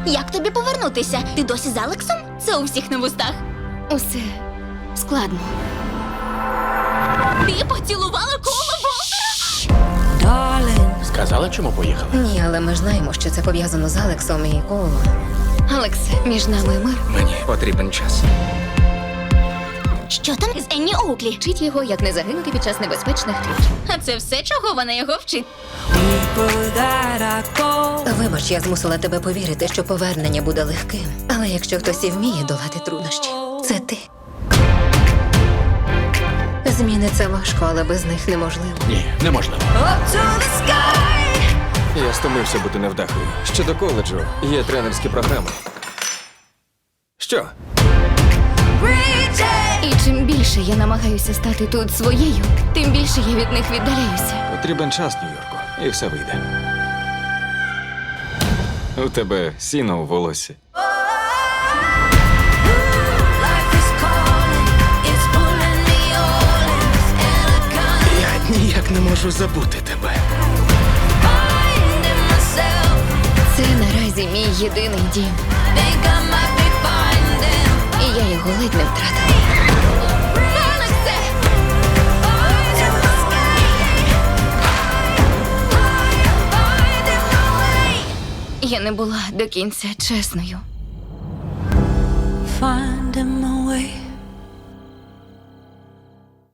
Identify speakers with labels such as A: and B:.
A: Як тобі повернутися? Ти досі з Алексом? Це у всіх на вустах.
B: Усе складно.
A: Ти поцілувала Кола Волтера?
C: Сказала, чому поїхала?
D: Ні, але ми ж знаємо, що це пов'язано з Алексом і Колом.
B: Алексе, між нами мир.
E: Мені потрібен час.
A: Що там з Енні Оуклі?
B: Вчить його, як не загинути під час небезпечних трюків.
A: А це все, чого вона його вчить?
D: Вибач, я змусила тебе повірити, що повернення буде легким. Але якщо хтось і вміє долати труднощі, це ти. Зміни це важко, але без них неможливо.
C: Ні, неможливо.
E: Я стомився бути невдахою. Ще до коледжу є тренерські програми. Що?
B: І чим більше я намагаюся стати тут своєю, тим більше я від них віддаляюся.
E: Потрібен час, Нью-Йорку, і все вийде. У тебе сіно у волосі.
C: Я ніяк не можу забути тебе.
B: Це наразі мій єдиний дім. І я його ледь не втратила. Алексе! Я не була до кінця чесною.
F: Finding my way